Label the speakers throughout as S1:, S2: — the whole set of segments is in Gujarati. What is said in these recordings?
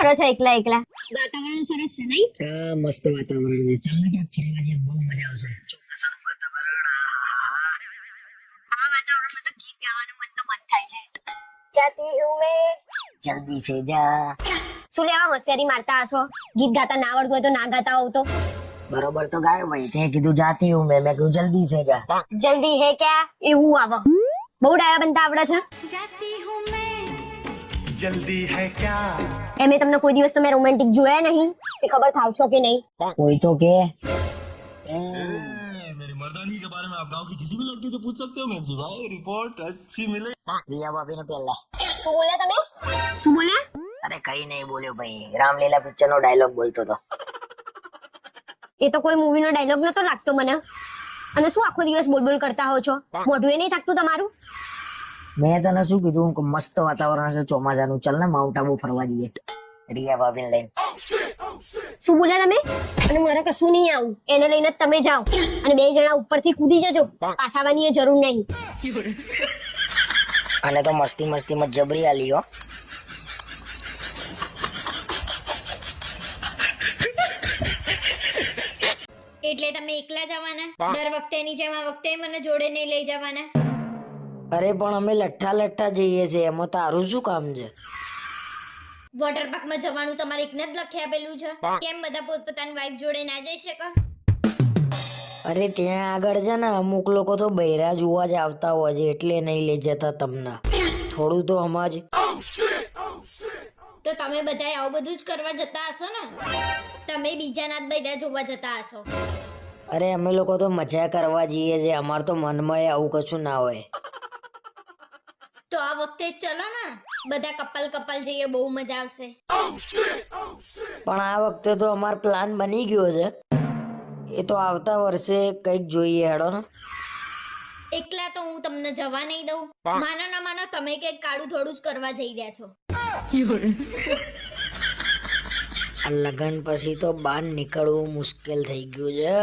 S1: કરો છો એકલા એકલા? વાતાવરણ સરસ છે નહીં?
S2: હા મસ્ત વાતાવરણ છે. ચાલ ને ક્યાંક ફરવા જઈએ, બહુ મજા આવશે. ચોમાસાનું વાતાવરણ.
S1: આ વાતાવરણમાં તો ગીત ગાવાનું મન તો મન થાય છે. જાતી હું મેં
S2: જલ્દી સે જા.
S1: શું લેવા હોશિયારી મારતા હશો? ગીત ગાતા ના આવડતું હોય તો ના ગાતા હોવ તો
S2: બરોબર તો ગાયો ભાઈ. તે કીધું જાતી હું મેં કીધું જલ્દી સે જા.
S1: જલ્દી હે ક્યાં એવું આવો. બહુ ડાયા બનતા આવડે છે.
S3: जल्दी है क्या
S1: એમે તમને કોઈ દિવસ તમે રોમેન્ટિક જોયા નહીં? સે ખબર થાવ છો કે નહીં?
S2: કોઈ તો કે
S3: मेरी मर्दानी के बारे में आप गांव की किसी भी लड़की से पूछ सकते हो मैं जी भाई रिपोर्ट अच्छी मिले
S2: રિયા ભાભી ને પહેલા.
S1: શું બોલ્યા તમે? શું બોલ્યા?
S2: અરે કઈ નહીં બોલ્યો ભાઈ, રામલીલા પિક્ચર નો ડાયલોગ બોલતો હતો.
S1: એ તો કોઈ મૂવી નો ડાયલોગ નતો લાગતો મને. અને શું આખો દિવસ બોલબોલ કરતા હો છો? મોઢું એ નહીં થાકતું તમારું?
S2: મેં તને શું કીધું કે મસ્ત વાતાવરણ છે ચોમાસાનું, ચાલ ને માઉન્ટ આબુ ફરવા જઈએ રિયા ભાભીને લઈને.
S1: શું બોલ્યા તમે? અને મારે કશું નહીં આવું, એને લઈને જ તમે જાઓ અને બે જણા ઉપરથી કૂદી જજો, પાછાવાની એ જરૂર નહીં.
S2: અને તો મસ્તી મસ્તીમાં જબરી આલી હો.
S1: એટલે તમે એકલા જવાના? દર વખતે એની જેમ આ વખતે મને જોડે નહીં લઈ જવાના?
S2: અરે પણ અમે લઠ્ઠા લઠ્ઠા જઈએ છીએ, એમાં તારું શું કામ છે?
S1: વોટર પાર્ક માં જવાનું તમારે એકને જ લખી આપેલું છે. કેમ બધા પોતપોતાની વાઈફ જોડે ના જઈ શકે?
S2: અરે ત્યાં આગળ છે ને અમુક લોકો તો બૈરા જોવા જ આવતા હોય છે, એટલે નહીં લઈ જતા તમને. થોડું તો સમજ.
S1: તો તમે બધા આવું બધું જ કરવા જતા હશો ને? તમે બીજાના જ બૈરા જોવા જતા હશો?
S2: અરે અમે લોકો તો મજા કરવા જઈએ છીએ, અમાર તો મનમાં આવું કશું ના હોય.
S1: તો આ વખતે ચલો ને બધા કપલ કપલ જઈએ, બહુ મજા આવશે.
S2: પણ આ વખતે તો અમાર પ્લાન બની ગયો છે, એ તો આવતા વર્ષે કંઈક જોઈએ. હેડો ને.
S1: એકલા તો હું તમને જવા નહીં દઉં. માનો ના માનો તમે કંઈક કાળું થોડું જ કરવા જઈ રહ્યા છો.
S2: આ લગન પછી તો બહાર નીકળવું મુશ્કેલ થઈ ગયું છે.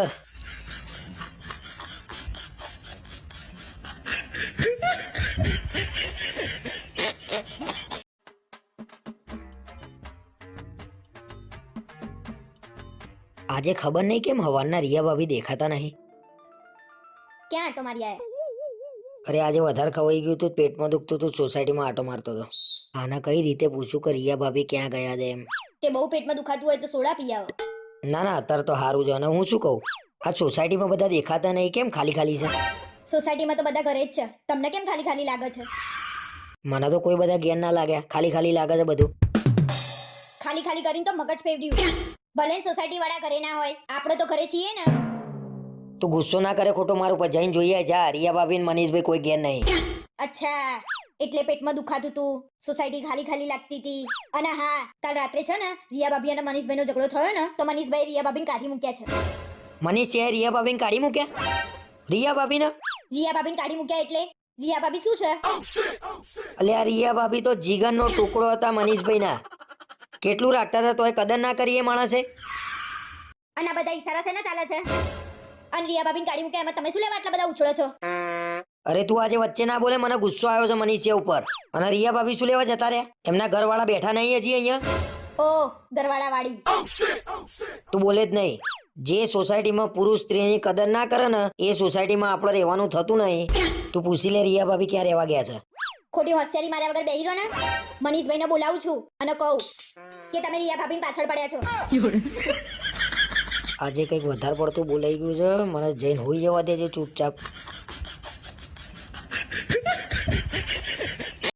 S2: આજે ખબર નહીં કેમ હવારના રિયા ભાભી દેખાતા નહીં.
S1: ક્યાં આટો મારી આયા?
S2: અરે આજે વધારે ખવાઈ ગયું તો પેટમાં દુખતું હતું, સોસાયટીમાં આટો મારતો હતો. આના કઈ રીતે પૂછું કે રિયા ભાભી ક્યાં ગયા છે એમ.
S1: તે બહુ પેટમાં દુખાતું હોય તો સોડા પી આવો.
S2: ના ના અત્યારે તો સારું છે. અને હું શું કહું, આ સોસાયટીમાં બધા દેખાતા નહીં, કેમ ખાલી ખાલી છે?
S1: સોસાયટીમાં તો બધા ઘરે જ છે, તમને કેમ ખાલી ખાલી લાગે છે?
S2: મને તો કોઈ બધા જ્ઞાન ના લાગ્યા, ખાલી ખાલી લાગે છે બધું.
S1: ખાલી ખાલી કરીને તો મગજ ફેરવ્યું. ભલે સોસાયટી વાળા ઘરે ના હોય, આપણે તો ઘરે છીએ ને.
S2: તું ગુસ્સો ના કરે ખોટો મારું પર, જઈને જોઈએ જા. રિયા ભાભી ને મનીષભાઈ કોઈ જ્ઞાન નહીં.
S1: અચ્છા, એટલે પેટમાં દુખાતું તું, સોસાયટી ખાલી ખાલી લાગતી હતી. અને હા, કાલ રાત્રે છે ને રિયા ભાભી અને મનીષભાઈ નો ઝઘડો થયો ને, તો મનીષભાઈ રિયા ભાભીને કાઢી મૂક્યા છે.
S2: મનીષ છે રિયા ભાભીને કાઢી મૂક્યા? રિયા ભાભીને
S1: કાઢી મૂક્યા એટલે રિયા ભાભી શું છે?
S2: અલ્યા રિયા ભાભી તો જીગરનો ટુકડો હતા મનીષભાઈ ના. કેટલું રાખતા હતા તોય કદર ના કરી એ માણસે.
S1: અને આ બધા ઈશારા છે ને ચાલે છે. અને રિયા ભાભીને કાઢી મૂક્યા એમાં તમે શું લેવા આટલા બધા ઉછળો છો?
S2: અરે તું આજે વચ્ચે ના બોલે, મને ગુસ્સો આવ્યો છે મનીષિયા ઉપર. અને રિયા ભાભી શું લેવા જતા રહ્યા? એમના ઘરવાળા બેઠા નહીં હજી અહીંયા?
S1: ઓ ઘરવાળા વાળી.
S2: તું બોલે જ નહીં. જે સોસાયટીમાં પુરુષ સ્ત્રીની કદર ના કરે ને એ સોસાયટીમાં આપણે રહેવાનું થતું નહીં. તું પૂછી લે રિયા ભાભી ક્યાં રહેવા ગયા છે.
S1: ખોટી હોશિયારી માર્યા વગર બેહી રહો ને. મનીષભાઈને બોલાવું છું અને કહું કે તમે રિયા ભાભીની પાછળ પડ્યા છો.
S2: આજે કંઈક વધારે પડતું બોલાઈ ગયું છે, મને જઈને હોઈ જવા દેજે ચૂપચાપ.